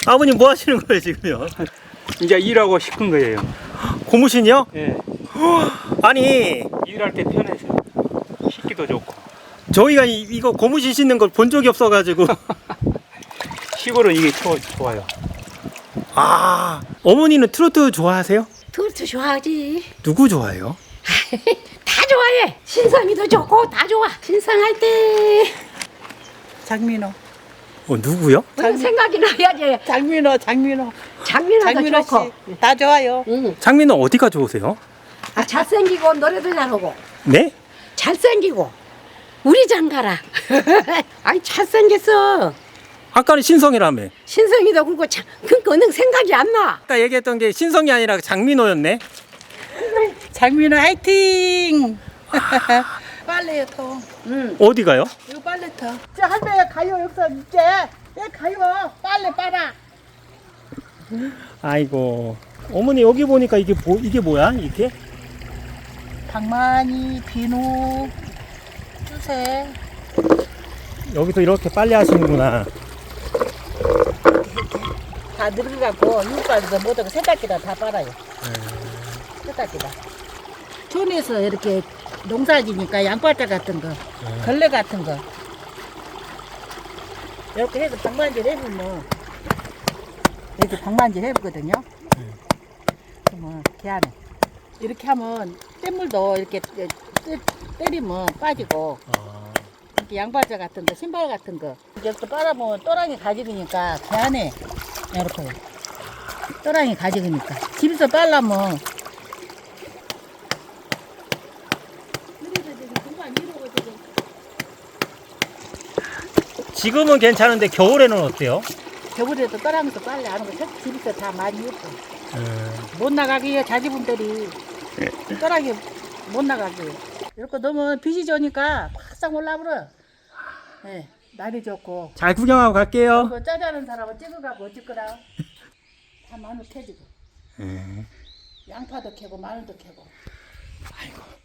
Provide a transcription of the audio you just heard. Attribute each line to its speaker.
Speaker 1: 아버님 뭐 하시는 거예요 지금요?
Speaker 2: 이제 일하고 싶은 거예요.
Speaker 1: 고무신이요?
Speaker 2: 예.
Speaker 1: 아니
Speaker 2: 일할 때 편해서 씻기도 좋고.
Speaker 1: 저희가 이거 고무신 신는 걸 본 적이 없어가지고.
Speaker 2: 시골은 이게 좋아요.
Speaker 1: 아, 어머니는 트로트 좋아하세요?
Speaker 3: 트로트 좋아하지.
Speaker 1: 누구 좋아해요?
Speaker 3: 다 좋아해. 신성이도 좋고 다 좋아. 신성할 때
Speaker 4: 장민호.
Speaker 1: 누구요?
Speaker 3: 무슨 생각이 나야지.
Speaker 4: 장민호도
Speaker 3: 장민호도 좋고.
Speaker 4: 씨. 다 좋아요.
Speaker 3: 응.
Speaker 1: 장민호 어디가 좋으세요?
Speaker 3: 아, 잘생기고 노래도 잘하고
Speaker 1: 네?
Speaker 3: 잘생기고 우리 장가라. 아이 잘생겼어.
Speaker 1: 아까는 신성이라며.
Speaker 3: 신성이도 그렇고 그거는 생각이 안 나.
Speaker 1: 아까 얘기했던 게 신성이 아니라 장민호였네.
Speaker 4: 장민호 화이팅! 빨래요 통.
Speaker 1: 어디 가요?
Speaker 4: 이거 빨래터. 이제 할매 가요 여기서 이제. 왜 가요? 빨래 빨아.
Speaker 1: 아이고 어머니 여기 보니까 이게 뭐야 이게?
Speaker 4: 방망이, 비누, 주세.
Speaker 1: 여기서 이렇게 빨래 하시는구나.
Speaker 4: 다 늙어갖고 육가에서 못하고 세탁기다 다 빨아요. 세탁기다. 촌에서 이렇게 농사지니까 양파자 같은 거, 걸레 같은 거 이렇게 해서 방만질 해보면 이렇게 방만질 해보거든요. 그러면 걔하네. 이렇게 하면 뗏물도 이렇게 때리면 빠지고 이렇게 양파자 같은 거, 신발 같은 거 여기서 빨아보면 또랑이 가지니까 걔하네. 이렇게 또랑이 가지니까 집에서 빨라면
Speaker 1: 지금은 괜찮은데 겨울에는 어때요?
Speaker 4: 겨울에도 떠랑에서 빨래 하는 거 집에서 다 많이 했고 못 나가게 해요 자제분들이 떠랑이 못 나가게 이렇게 너무 빛이 좋으니까 확 올라버려. 네, 날이 좋고
Speaker 1: 잘 구경하고 갈게요.
Speaker 4: 그 짜자는 사람은 찍어가고 어쩔 거라 다 마늘 캐지고 양파도 캐고 마늘도 캐고
Speaker 1: 아이고